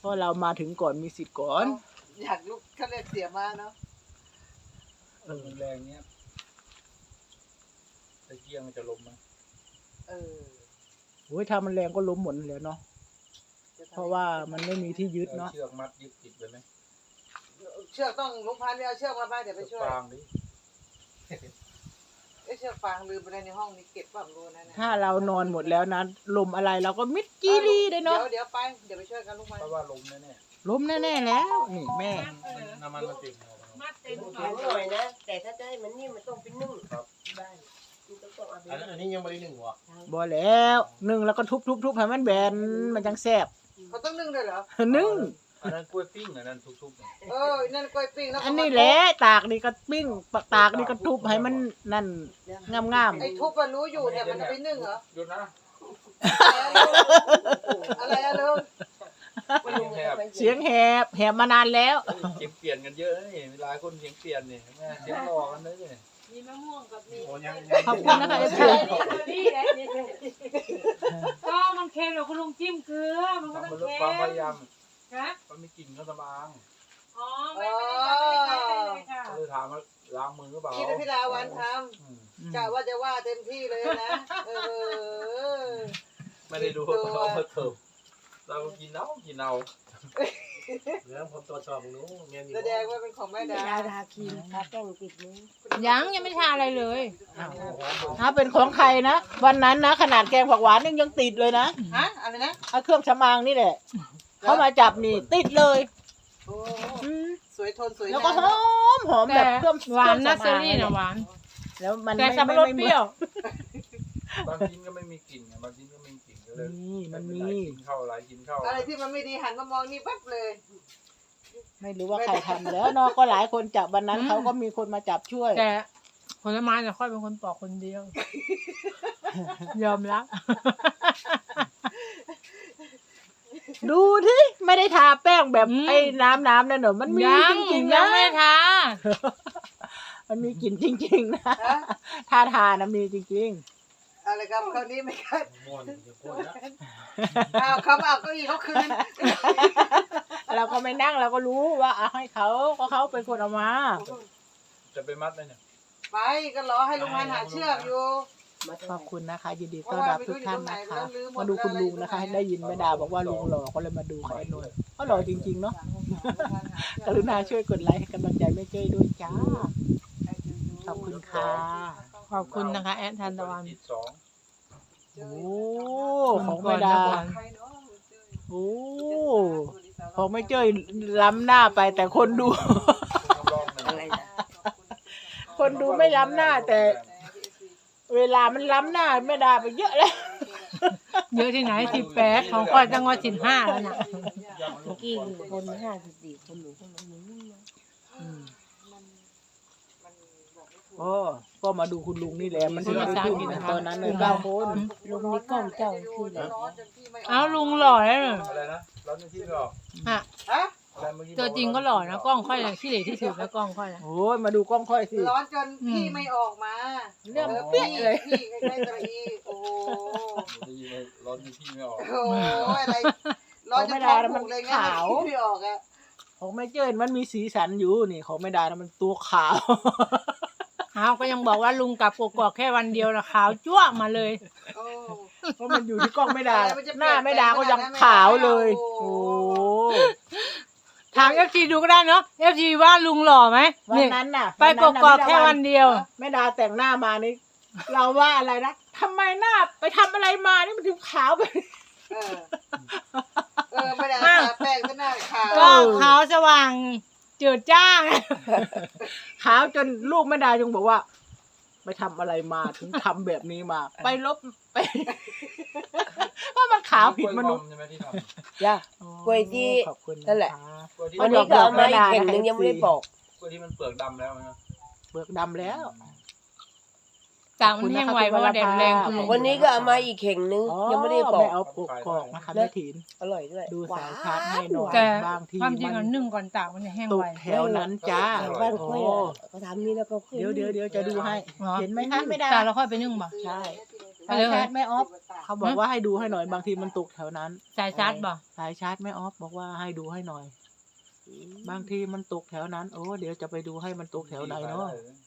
เพราะเรามาถึงก่อนมีสิทธิ์ก่อนอยากลุกเขาเรียกเสียมาเนาะแรงเนี้ยตะเกียงมันจะล้มไหมโอ้ยถ้ามันแรงก็ล้มหมดเลยเนาะเพราะว่ามันไม่มีที่ยึดเนาะเชือกมัดยึดติดไปไหมเชือกต้องลุงพันธุ์ไปเอาเชือกมาบ้านเดี๋ยวไปช่วยฟางดิเชือกฟางลืมไปในห้องนี้เก็บความรู้นะถ้าเรานอนหมดแล้วนะลมอะไรเราก็มิดจีรีได้เนาะเดี๋ยวไปเดี๋ยวไปช่วยกันลุงพันเพธุ์ราะว่าล้มแน่ล้มแน่ๆแล้วนี่แม่ๆน้ำมันมันติดมัดเต็มแข็งหน่อยนะแต่ถ้าจะให้มันนิ่มมันต้องเป็นนึ่งได้มันต้องเอาไปอันนี้ยังไม่ได้หนึ่งวะบ่แล้วนึ่งแล้วก็ทุบๆให้มันแบนมันจังแซ่บเขาต้องนึ่งด้วยเหรอนึ่งอันนั้นกล้วยปิ้งอันนั้นทุบๆนั่นกล้วยปิ้งแล้วอันนี้แหละตากนี่ก็ปิ้งตากนี่ก็ทุบให้มันนั่นงามไอ้ทุบมันรู้อยู่แต่มันจะไปนึ่งเหรอหยุดนะอะไรอะลุงๆเสียงแหบมานานแล้วเสียงเปลี่ยนกันเยอะนี่หลายคนเสียงเปลี่ยนนี่แม่เสียงหลอกกันเลยเนี่ยมีมะม่วงกับมีโอ้ยังขอบคุณนะคะเอฟซีนี่แหละนี่ก็มันเค็มเดี๋ยวคุณลุงจิ้มเกลือมันก็ทำต้อมังนลดเค็ความพมยายามนะมันไม่กลิ่นข้าวสมางอ๋อไม่ได้เลยค่ะเลยถามว่าล้างมือหรือเปล่าคิดว่าพี่ดาวันทำกะว่าจะว่าเต็มที่เลยนะไม่ได้ดูว่าเขามาเถิบเรากินเอาเรื่องผมตรวจสอบหนูเมียนี่แสดงว่าเป็นของแม่ดาทาครีมทาแป้งปิดมือยังไม่ทาอะไรเลยถ้าเป็นของใครนะวันนั้นนะขนาดแกงผักหวานยังติดเลยนะฮะอะไรนะเอาเครื่องสำอางนี่แหละเขามาจับนี่ติดเลยโอ้สวยทนสวยแล้วก็หอมแบบเครื่องหวานนะคเซรื่รี่งสำนะอางหวานแล้วมันแต่สับปะรดเปรี้ยวบางชิ้นก็ไม่มีกลิ่นบางชิ้นก็มีกลิ่นก็เลยนี่มันมีกินเข้าหลายกินเข้าอะไรที่มันไม่ดีหันมามองนี่ปั๊บเลยไม่รู้ว่าใครทำแล้วเนาะก็หลายคนจับวันนั้นเขาก็มีคนมาจับช่วยแต่ผลไม้เนี่ยค่อยเป็นคนปอกคนเดียว ยอมรับดูที่ไม่ได้ทาแป้งแบบไอ้น้ำนั่นเหรอมันมีจริงๆยันะงไม่ทามันมีกลิ่นจริงๆนะถ้าทานะมีจริงอะไรครับคราวนี้ไม่คัดม่วนจะพูดนะเขาเอาเก้าอี้เขาคืนๆเราก็ไม่นั่งเราก็รู้ว่าเอาให้เขาก็เขาเป็นคนเอามาจะไปมัดเลยเนี่ยไปก็รอให้ลุงพันหาเชือกอยู่ขอบคุณนะคะยินดีต้อนรับทุกท่านนะคะมาดูคุณลุงนะคะ ได้ยินแม่ดาบอกว่าลุงหล่อก็เลยมาดูค่ะไอ้นนท์เขาหล่อจริงๆเนาะกรุณาช่วยกดไลค์ให้กำลังใจแม่เจ้ยด้วยจ้าขอบคุณค่ะขอบคุณนะคะแอดทันตะวันติดสองโอ้ของแม่ดาโอ้ของแม่เจ้ยล้ำหน้าไปแต่คนดูลองหนึ่งอะไรนะคนดูไม่ล้ำหน้าแต่เวลามันล้ำหน้าแม่ดาไปเยอะแล้วเยอะที่ไหน18ของก้อยจังหวัด15แล้วนะเมื่อกี้คือคน54คนหนูคนนั้นหนูนี่นะโอ้ก็มาดูคุณลุงนี่แหละมันถึงได้ขึ้นนะตอนนั้นเลย9 คนลุงนี่กล้องเจ้าคืออะไรเอาลุงหล่อแล้วน่ะอะไรนะร้อนในที่หรอฮะฮะอะไรเมื่อกี้ตัวจริงก็หล่อนะกล้องค่อยเลยขี้เหร่ที่สุดแล้วกล้องค่อยนะโอ้ยมาดูกล้องค่อยสิร้อนจนพี่ไม่ออกมาเรื่องเปี้ยเลยพี่ใกล้ๆตะอีโอ้โหได้ยินเลยร้อนในที่ไม่ออกโอ้ยอะไรร้อนจนท้องผูกเลยไงไม่ออกอ่ะของแม่เจ้ยมันมีสีสันอยู่นี่ของแม่ดานะมันตัวขาวเอาก็ยังบอกว่าลุงกลับกกอกแค่วันเดียวนะขาวจ้วงมาเลยโอ้เพราะมันอยู่ที่กล้องแม่ดาอะไรมันจะหน้าแม่ดาก็ยังเปลี่ยนแปลงขาวเลยโอ้โอ้ถาม FG ดูก็ได้เนาะ FG ว่าลุงหล่อไหมวันนี่นั้นน่ะไปกกอกแค่วันเดียวแม่ดาแต่งหน้ามานี่เราว่าอะไรนะทำไมหน้าไปทำอะไรมานี่มันถึงขาวไปไม่ได้ทาแป้งก็หน้าขาวก็ขาวสว่างเจิดจ้าไงขาวจนลูกแม่ดายังบอกว่า ไปทำอะไรมาถึงทำแบบนี้มา ไปลบไป เพราะมันขาวผิดมนุษย์ใช่ไหมที่ทจ้ะ กล้วยที่ขอบคุณนั่นแหละคำกล้วยที่วันนี้ก็เอามาอีกเข่งหนึงยังไม่ได้บอกกล้วยที่มันเปลือกดำแล้วนะเบิกดำแล้วตากมันแห้งไวเพราะว่าแดดแรงคุณลุงวันนี้ก็เอามาอีกเข่งหนึงยังไม่ได้บอไม่กเอาปกกอกนะคะแม่ถินอร่อยด้วยดูสายชาร์จให้หน่อยแต่บางทีความจริงมัอ่ะนนึ่งก่อนตากมันจะแห้งตไวกแถวนั้นจ้าแถวบ้านโอ้ค่อยอะเขาทำนี่แล้วก็ค่อยเดี๋ยวจะดูให้หรอเห็นไหมคะไม่ได้ตากแล้วค่อยไปนึ่งบ่ใช่ไปสายชาร์จแม่ออฟเขาบอกว่าให้ดูให้หน่อยบางทีมันตกแถวนั้นสายชาร์จบ่สายชาร์จแม่ออฟบอกว่าให้ดูให้หน่อย บางทีมันตกแถวนั้นโอ้เดี๋ยวจะไปดูให้มันตกแถวไหนเนาะ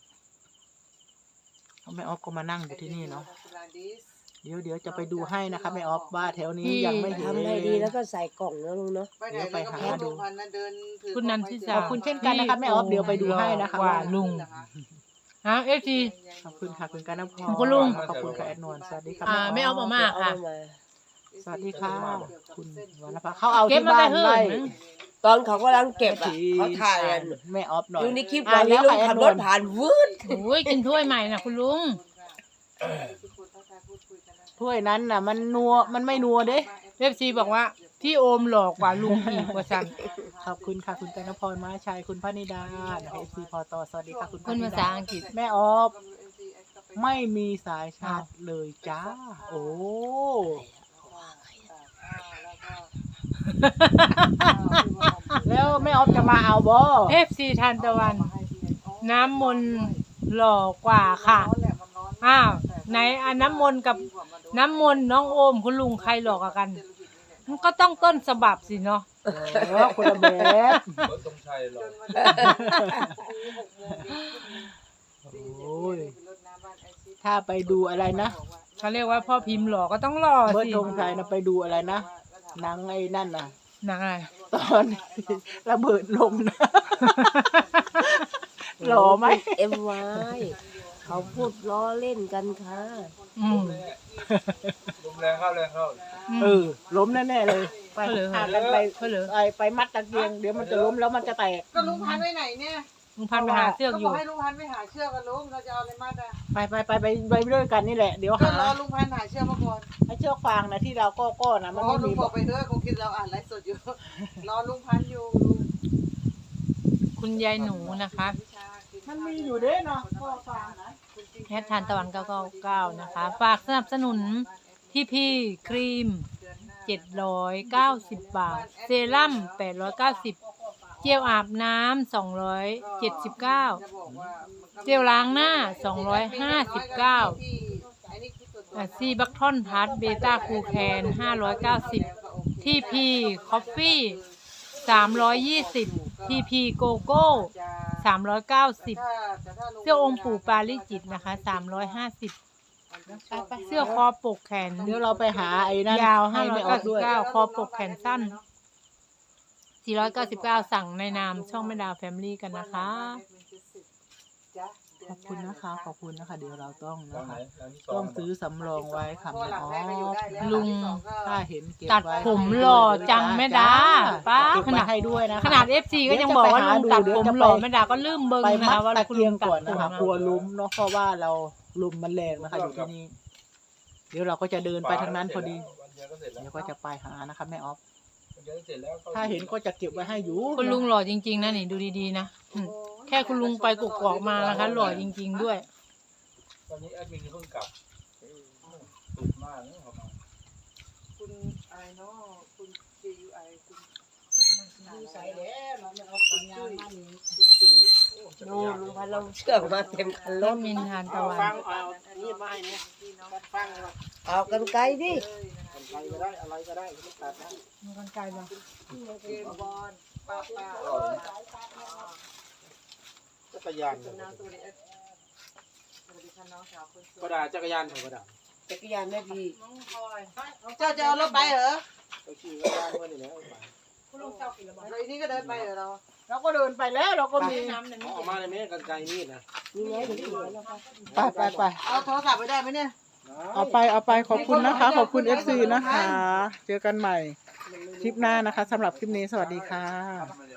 แม่ออฟก็มานั่งอยู่ที่นี่เนาะเดี๋ยวจะไปดูให้นะคะแม่ออฟว่าแถวนี้ยังไม่เห็นทำไงดีแล้วก็ใส่กล่องนะลุงเนาะไปไหนแล้วก็ไม่ดูพันนะเดินถือคุณนันทิขสาอบคุณเช่นกันนะคะแม่ออฟเดี๋ยวไปดูให้นะคะว่าลุงฮะFT ขอบคุณค่ะคุณกันนพรคุณลุงขอบคุณค่ะแอดนวลสวัสดีค่ะไม่เอามาค่ะเอามาสวัสดีค่ะคุณวรรณภาเขาเอาเก็บที่มาบ้าแต่นเฮิ่ไล่นตอนเขากำลังเก็บอ่ะเขาถ่ายกันแม่ออฟหน่อยอยู่ในคลิปวันนี้ลุงขับรถผ่านวืดโอ้ยกินถ้วยใหม่นะคุณลุงถ้วยนั้นน่ะมันนัวมันไม่นัวเด้ FT บอกว่าที่โอมหลอกกว่าลุงอีกว่าซั่นขอบคุณค่ะคุณกันนพรมาชัยคุณพนิดาเอฟซีพอตสวัสดีค่ะคุณพคนนิภาดาษาอังกฤษแม่ออฟไม่มีสายชาร์จเลยจ้า โอ้แล้วแม่ออฟจะมาเอาบ่ FC ทานตะวัน น้ำมนต์หล่อกว่าค่ะอ้าวไหนอันน้ำมนต์กับน้ำมนต์น้องโอมคุณลุงใครหลอกกว่ากัน มันก็ต้องต้นฉบับสิเนาะคนละแบบรถตรงชัยหรอโอ้ยถ้าไปดูอะไรนะเขาเรียกว่าพ่อพิมพ์หล่อก็ต้องหล่อเบิร์ดสิธงชัยนะไปดูอะไรนะหนังไอ้นั่นน่ะหนังอะไรตอนระเบิดลงนะ หล่อไหมเอ็มวายเขาพูดล้อเล่นกันค่ะอืมลมแรงเข้าแรงเข้าล้มแน่ๆเลย ไปเขาเหลือพากันไปเขาเหลือไปมัดตะเกียงเดี๋ยวมันจะล้มแล้วมันจะแตกก็ลุงพันไว้ไหนเนี่ยลุงพันธุ์ไปหาเสื้อกก็อบ ยู่อกให้ลุงพันไปหาเชือกกันลุงเราจะเอาอะไรมาด่ะไปด้วยกันนี่แหละเดี๋ยวก็หารอลุงพันหาเชือกมาก่อนไอ้เชือกฟางนะที่เราก็นะมันอ๋อไม่ลุมีงบอกไปเถอะคงคิดเราอ่านไลฟ์สดอยู่ รอลุงพันอยู่ลุงคุณยายหนูนะคะมันมีอยู่เด้เนาะก็ฟางนะแฮททานตะวัน999นะคะ ฝากสนับสนุนพี่ครีม 790 บาท เซรั่ม890 เจลอาบน้ำ279 เจลล้างหน้า259ซีบัคทอนพัทเบต้าคูแคน590ทีพีคอฟฟี่320ทีพีโกโก้390เสื้อองค์ปู่ปาลิจิตนะคะ350เสื้อคอปกแขนเดี๋ยวเราไปหาไอ้นั่นยาวให้ไม่ออกด้วย 599คอปกแขนสั้น499สั่งในนามช่องแม่ดาวแฟมิลี่กันนะคะขอบคุณนะคะขอบคุณนะคะ เดี๋ยวเราต้องร้านะนไหนคะร้านที่สต้องซื้อสำรองไว้ค่ะแม่ออฟลุงถ้าเห็นเก็บตัดไว้ผมหล่อจังแม่ดาป้าเก็บขไว้นาดให้ด้วยนะคะขนาด FC ก็ยังบอกว่าลุงตัดผมหล่อแม่ดาก็ลืมเบิ่งไปนะมัดคะว่าตะคุณเกีลุยงงตัดก่อนผนะมคะนะกลัวล้มเนาะเพราะว่าเราลมมันแรงนะคะอยู่ที่นี่เดี๋ยวเราก็จะเดินไปทางนั้นพอดีวันเดียวก็เสร็จแล้วเดี๋ยวก็จะไปหานะคะแม่ออฟวันเดียวก็เสร็จแล้วถ้าเห็นก็จะเก็บไว้ให้อยู่คุณลุงหล่อจริงๆนะนี่ดูดีๆนะแค่คุณลุงไปกกอกมานะคะหล่อจริงๆด้วยตอนนี้แอดมินเพิ่งกลับตุกมากเนี่ยครับคุณอะไรเนาะคุณ JUI คุณใส่แล้วเราไม่เอาสัญญาณมานี่คุณจุ๋ยดูลุงพันเราเชือกมาเต็มคันรรถถมินทานตะวันเอาอันนี้มาให้เนี่ยฟังเลยเอากันไกลดิใครก็ได้อะไรก็ได้ไม่ตัดนะมีกันไกลบ้างเกมบอลป้าจักรยานน้ำตัวนี้สวัสดีค่ะน้องสาวคนสก็วยได้จักรยานผมก็ได้จักรยานแม่ดีเจ้าจะเอารถไปเหรอไปขี่จักรยานมานี่แหละแล้วอีนี่ก็เดินไปเหรอเราเราก็เดินไปแล้วเราก็มีเอามาในแม่กันไกลมีดนะนี่ไงถึงถึงแล้วนะคะไปเอาโทรศัพท์ไปได้ไหมเนี่ยเอาไปขอบคุณนะคะ ขอบคุณ FC นะคะ เจอกันใหม่คลิปหน้านะคะสำหรับคลิปนี้สวัสดีค่ะทำอะไร